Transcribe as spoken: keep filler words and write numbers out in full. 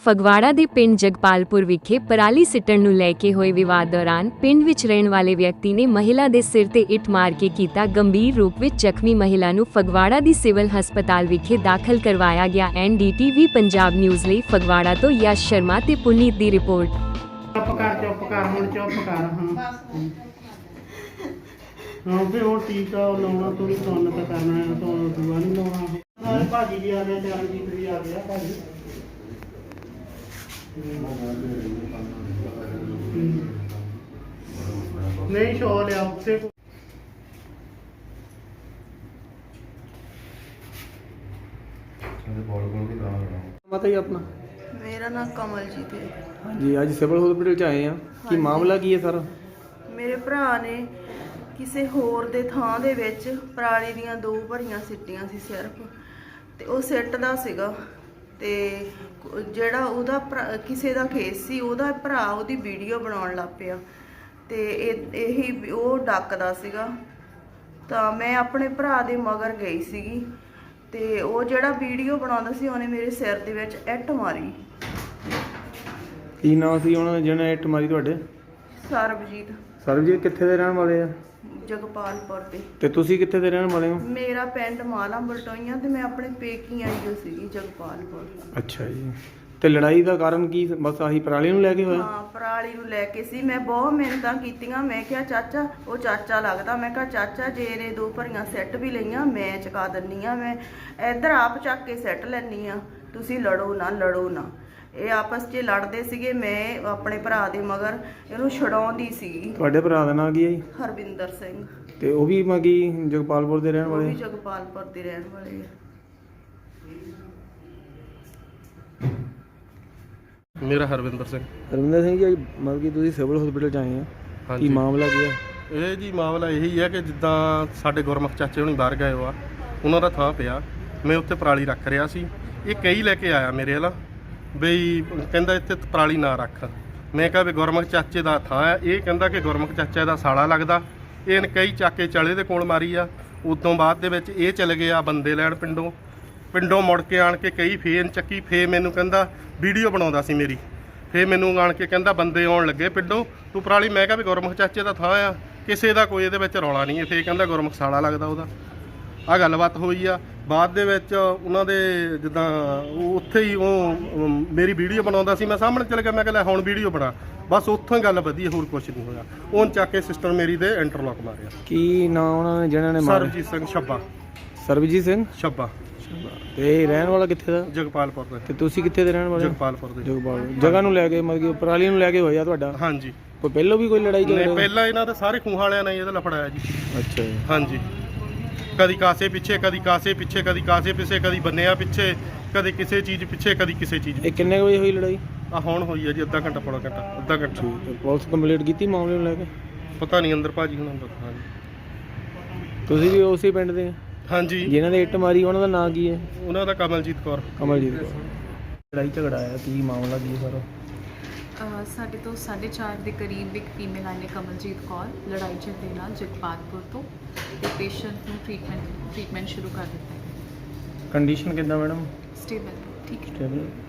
ਫਗਵਾੜਾ ਦੇ ਪਿੰਡ ਜਗਪਾਲਪੁਰ ਵਿਖੇ ਪਰਾਲੀ ਸਿੱਟਣ ਨੂੰ ਲੈ ਕੇ ਹੋਏ ਵਿਵਾਦ ਦੌਰਾਨ ਪਿੰਡ ਵਿੱਚ ਰਹਿਣ ਵਾਲੇ ਵਿਅਕਤੀ ਨੇ ਮਹਿਲਾ ਦੇ ਸਿਰ ਤੇ ਇੱਟ ਮਾਰ ਕੇ ਕੀਤਾ ਗੰਭੀਰ ਰੂਪ ਵਿੱਚ ਜ਼ਖਮੀ। ਮਹਿਲਾ ਨੂੰ ਫਗਵਾੜਾ ਦੀ ਸਿਵਲ ਹਸਪਤਾਲ ਵਿਖੇ ਦਾਖਲ ਕਰਵਾਇਆ ਗਿਆ। N D T V Punjab news ਲਈ ਫਗਵਾੜਾ ਤੋਂ ਯਸ਼ ਸ਼ਰਮਾ ਤੇ ਪੁਨੀਤ ਦੀ ਰਿਪੋਰਟ। ਚੁੱਪ ਕਰ ਚੁੱਪ ਕਰ ਹੁਣ ਚੁੱਪ ਕਰ ਹਾਂ ਹਾਂ ਵੀ ਹੁਣ ਟੀਕਾ ਲਾਉਣਾ ਤੂੰ ਤੁਹਾਨੂੰ ਤਾਂ ਕਰਨਾ ਹੈ ਤਾਂ ਦੂਆ ਨਹੀਂ ਲਾਉਣਾ। ਨਾਲ ਭਾਜੀ ਜੀ ਆ ਗਏ, ਚਰਨਜੀਤ ਵੀ ਆ ਗਿਆ ਭਾਜੀ। ਨਹੀਂ ਸ਼ੋ ਲਿਆ ਉੱਥੇ माता जी अपना मेरा नाम कमलजीत है हाँ जी। आज सिविल हॉस्पिटल च आए हैं कि हाँ मामला की है सर? ਮੇਰੇ ਭਰਾ ਨੇ ਕਿਸੇ ਹੋਰ ਦੇ ਥਾਂ ਦੇ ਵਿੱਚ ਪਰਾਲੀ ਦੀਆਂ ਦੋ ਭਰੀਆਂ ਸਿੱਟੀਆਂ ਸੀ ਸਿਰਫ, ਤੇ ਉਹ ਸਿੱਟਦਾ ਸੀਗਾ ਤੇ ਜਿਹੜਾ ਉਹਦਾ ਕਿਸੇ ਦਾ ਕੇਸ ਸੀ, ਉਹਦਾ ਭਰਾ ਉਹਦੀ ਵੀਡੀਓ ਬਣਾਉਣ ਲੱਗ ਪਿਆ ਤੇ ਇਹ ਇਹੀ ਉਹ ਡੱਕਦਾ ਸੀਗਾ। ਤਾਂ ਮੈਂ ਆਪਣੇ ਭਰਾ ਦੇ ਮਗਰ ਗਈ ਸੀਗੀ ਤੇ ਉਹ ਜਿਹੜਾ ਵੀਡੀਓ ਬਣਾਉਂਦਾ ਸੀ ਉਹਨੇ ਮੇਰੇ ਸਿਰ ਦੇ ਵਿੱਚ ਇੱਟ ਮਾਰੀ। ਕੀ ਨਾਮ ਸੀ ਉਹਨਾਂ ਜਿਹਨੇ ਇੱਟ ਮਾਰੀ ਤੁਹਾਡੇ? ਸਰਬਜੀਤ। ਸਰਬਜੀਤ ਕਿੱਥੇ ਦੇ ਰਹਿਣ ਵਾਲੇ ਆ? ਜਗਪਾਲਪੁਰ ਦੇ। ਤੇ ਤੁਸੀਂ ਕਿੱਥੇ ਦੇ ਰਹਿਣ ਵਾਲੇ ਹੋ? ਮੇਰਾ ਪਿੰਡ ਮਾਲਾ ਬਲਟੋਈਆਂ ਤੇ ਮੈਂ ਆਪਣੇ ਪੇਕੀ ਆਈ ਹੋ ਸੀਗੀ ਜਗਪਾਲਪੁਰ। ਅੱਛਾ ਜੀ। ਤੇ ਲੜਾਈ ਦਾ ਕਾਰਨ ਕੀ? ਬਸ ਆਹੀ ਪਰਾਲੀ ਨੂੰ ਲੈ ਕੇ ਹੋਇਆ? ਹਾਂ, ਪਰਾਲੀ ਨੂੰ ਲੈ ਕੇ ਸੀ। ਮੈਂ ਬਹੁਤ ਮਿਹਨਤਾਂ ਕੀਤੀਆਂ। ਮੈਂ ਕਿਹਾ ਚਾਚਾ, ਉਹ ਚਾਚਾ ਲੱਗਦਾ, ਮੈਂ ਕਿਹਾ ਚਾਚਾ ਜੇ ਇਹਨੇ ਦੋ ਭਰੀਆਂ ਸੈੱਟ ਵੀ ਲਈਆਂ ਮੈਂ ਚੁਕਾ ਦਿੰਨੀ ਆ, ਮੈਂ ਇੱਧਰ ਆਪ ਚੱਕ ਕੇ ਸੈੱਟ ਲੈਣੀ ਆ, ਤੁਸੀਂ ਲੜੋ ਨਾ ਲੜੋ ਨਾ। ਇਹ ਆਪਸ 'ਚ ਲੜਦੇ ਸੀਗੇ। ਮੈਂ ਆਪਣੇ ਭਰਾ ਦੇ ਮਗਰ ਇਹਨੂੰ ਛਡਾਉਂਦੀ ਸੀਗੀ। ਤੁਹਾਡੇ ਭਰਾ ਦਾ ਨਾਂ ਕੀ ਹੈ ਜੀ? ਹਰਵਿੰਦਰ ਸਿੰਘ। ਤੇ ਉਹ ਵੀ ਮਗੀ ਜਗਪਾਲਪੁਰ ਦੇ ਰਹਿਣ ਉਹ ਵਾਲੇ? ਵੀ ਜਗਪਾਲਪੁਰ ਦੇ ਰਹਿਣ ਵਾਲੇ ਆ। ਮੇਰਾ ਹਰਵਿੰਦਰ ਸਿੰਘ। ਹਰਵਿੰਦਰ ਸਿੰਘ ਜੀ, ਮਤਲਬ ਕਿ ਤੁਸੀਂ ਸਿਵਲ ਹਸਪੀਟਲ 'ਚ ਆਏ ਆ, ਕੀ ਮਾਮਲਾ ਕੀ ਹੈ? ਇਹ ਜੀ ਮਾਮਲਾ ਇਹੀ ਹੈ ਕਿ ਜਿੱਦਾਂ ਸਾਡੇ ਗੁਰਮੁਖ ਚਾਚੇ ਹੁਣੀ ਬਾਹਰ ਗਏ ਹੋ ਆ, ਉਹਨਾਂ ਦਾ ਥਾਂ ਪਿਆ, ਮੈਂ ਉੱਥੇ ਪਰਾਲੀ ਰੱਖ ਰਿਹਾ ਸੀ। ਇਹ ਕਈ ਲੈ ਕੇ ਆਇਆ ਮੇਰੇ ਵੱਲ ਬਈ, ਕਹਿੰਦਾ ਇੱਥੇ ਪਰਾਲੀ ਨਾ ਰੱਖ। ਮੈਂ ਕਿਹਾ ਵੀ ਗੁਰਮੁਖ ਚਾਚੇ ਦਾ ਥਾਂ ਹੈ। ਇਹ ਕਹਿੰਦਾ ਕਿ ਗੁਰਮੁਖ ਚਾਚੇ ਦਾ ਸਾਲਾ ਲੱਗਦਾ। ਇਹਨੇ ਕਈ ਚਾਕੇ ਚਲੇ ਦੇ ਕੋਲ ਮਾਰੀ ਆ। ਉਦੋਂ ਬਾਅਦ ਦੇ ਵਿੱਚ ਇਹ ਚਲੇ ਗਏ ਆ ਬੰਦੇ ਲੈਣ ਪਿੰਡੋਂ ਪਿੰਡੋਂ ਮੁੜ ਕੇ ਆਣ ਕੇ ਕਈ ਫੇਨ ਚੱਕੀ। ਫੇ ਮੈਨੂੰ ਕਹਿੰਦਾ ਵੀਡੀਓ ਬਣਾਉਂਦਾ ਸੀ ਮੇਰੀ। ਫੇ ਮੈਨੂੰ ਆਣ ਕੇ ਕਹਿੰਦਾ ਬੰਦੇ ਆਉਣ ਲੱਗੇ ਪਿੰਡੋਂ, ਤੂੰ ਪਰਾਲੀ। ਮੈਂ ਕਿਹਾ ਵੀ ਗੁਰਮੁਖ ਚਾਚੇ ਦਾ ਥਾਂ ਆ, ਕਿਸੇ ਦਾ ਕੋਈ ਇਹਦੇ ਵਿੱਚ ਰੌਲਾ ਨਹੀਂ ਹੈ। ਫੇ ਕਹਿੰਦਾ ਗੁਰਮੁਖ ਸਾਲਾ ਲੱਗਦਾ ਉਹਦਾ। ਆਹ ਗੱਲਬਾਤ ਹੋਈ ਆ। ਬਾਅਦ ਦੇ ਵਿੱਚ ਉਹਨਾਂ ਦੇ ਜਿੱਦਾਂ ਉਹ ਉੱਥੇ ਹੀ ਉਹ ਮੇਰੀ ਵੀਡੀਓ ਬਣਾਉਂਦਾ ਸੀ, ਮੈਂ ਸਾਹਮਣੇ ਚਲੇ ਗਿਆ। ਮੈਂ ਕਿਹਾ ਹੁਣ ਵੀਡੀਓ ਬਣਾ, ਬਸ ਉੱਥੋਂ ਹੀ ਗੱਲ ਵਧੀ, ਹੋਰ ਕੁਛ ਨਹੀਂ ਹੋਇਆ। ਉਹਨ ਚੱਕ ਕੇ ਸਿਸਟਰ ਮੇਰੀ ਦੇ ਇੰਟਰਲੌਕ ਮਾਰਿਆ। ਕੀ ਨਾਂ ਉਹਨਾਂ ਨੇ ਜਿਹਨਾਂ ਨੇ ਮਾਰਿਆ? ਸਰਬਜੀਤ ਸਿੰਘ ਛੱਬਾ। ਸਰਬਜੀਤ ਸਿੰਘ ਛੱਬਾ। ਤੇ ਇਹ ਰਹਿਣ ਵਾਲਾ ਕਿੱਥੇ ਦਾ? ਜਗਪਾਲਪੁਰ ਦਾ। ਤੇ ਤੁਸੀਂ ਕਿੱਥੇ ਦੇ ਰਹਿਣ ਵਾਲੇ? ਜਗਪਾਲਪੁਰ ਦੇ। ਜਗਪਾਲ ਜਗ੍ਹਾ ਨੂੰ ਲੈ ਕੇ ਮਤਲਬ ਕਿ ਪਰਾਲੀ ਨੂੰ ਲੈ ਕੇ ਹੋਇਆ ਤੁਹਾਡਾ? ਹਾਂਜੀ। ਕੋਈ ਪਹਿਲਾਂ ਵੀ ਕੋਈ ਲੜਾਈ ਨਹੀਂ, ਝਗੜਾ? ਪਹਿਲਾਂ ਇਹਨਾਂ ਦੇ ਸਾਰੇ ਖੂਹਾਂ ਵਾਲਿਆਂ ਨੇ ਇਹਦਾ ਲਫੜਾਇਆ ਜੀ। ਅੱਛਾ ਜੀ। ਹਾਂਜੀ, ਕਦੀ ਕਾਸੇ ਪਿੱਛੇ, ਕਦੀ ਕਾਸੇ ਪਿੱਛੇ, ਕਦੀ ਕਾਸੇ ਪਿੱਛੇ, ਕਦੀ ਬੰਨਿਆ ਪਿੱਛੇ, ਕਦੇ ਕਿਸੇ ਚੀਜ਼ ਪਿੱਛੇ, ਕਦੀ ਕਿਸੇ ਚੀਜ਼। ਇਹ ਕਿੰਨੇ ਵਜੇ ਹੋਈ ਲੜਾਈ? ਆ ਹੁਣ ਹੋਈ ਹੈ ਜੀ ਅੱਧਾ ਘੰਟਾ ਪੌਣਾ ਘੰਟਾ ਅੱਧਾ ਘੰਟਾ। ਤੇ ਪੁਲਿਸ ਕੰਪਲੀਟ ਕੀਤੀ ਮਾਮਲੇ ਨੂੰ ਲੈ ਕੇ? ਪਤਾ ਨਹੀਂ, ਅੰਦਰ ਭਾਜੀ ਹੁਣ ਅੰਦਰ। ਹਾਂਜੀ। ਤੁਸੀਂ ਵੀ ਉਸੇ ਪਿੰਡ ਦੇ? ਹਾਂਜੀ। ਜਿਨ੍ਹਾਂ ਨੇ ਇੱਟ ਮਾਰੀ ਉਹਨਾਂ ਦਾ ਨਾਂ ਕੀ ਹੈ? ਉਹਨਾਂ ਦਾ ਕਮਲਜੀਤ ਕੌਰ। ਕਮਲਜੀਤ ਕੌਰ। ਲੜਾਈ ਝਗੜਾ ਆਇਆ, ਕੀ ਮਾਮਲਾ ਕੀ ਹੈ ਸਾਰਾ? ਸਾਡੇ ਤੋਂ ਸਾਢੇ ਚਾਰ ਦੇ ਕਰੀਬ ਇੱਕ ਫੀਮੇਲ ਆਈ ਨੇ, ਕਮਲਜੀਤ ਕੌਰ, ਲੜਾਈ ਝਗੜੇ ਨਾਲ ਜਗਪਾਲਪੁਰ ਤੋਂ, ਤੇ ਪੇਸ਼ੈਂਟ ਨੂੰ ਟ੍ਰੀਟਮੈਂਟ ਟ੍ਰੀਟਮੈਂਟ ਸ਼ੁਰੂ ਕਰ ਦਿੱਤਾ ਹੈ। ਕੰਡੀਸ਼ਨ ਕਿੱਦਾਂ ਮੈਡਮ? ਸਟੇਬਲ, ਠੀਕ ਹੈ। ਸਟੇਬਲ।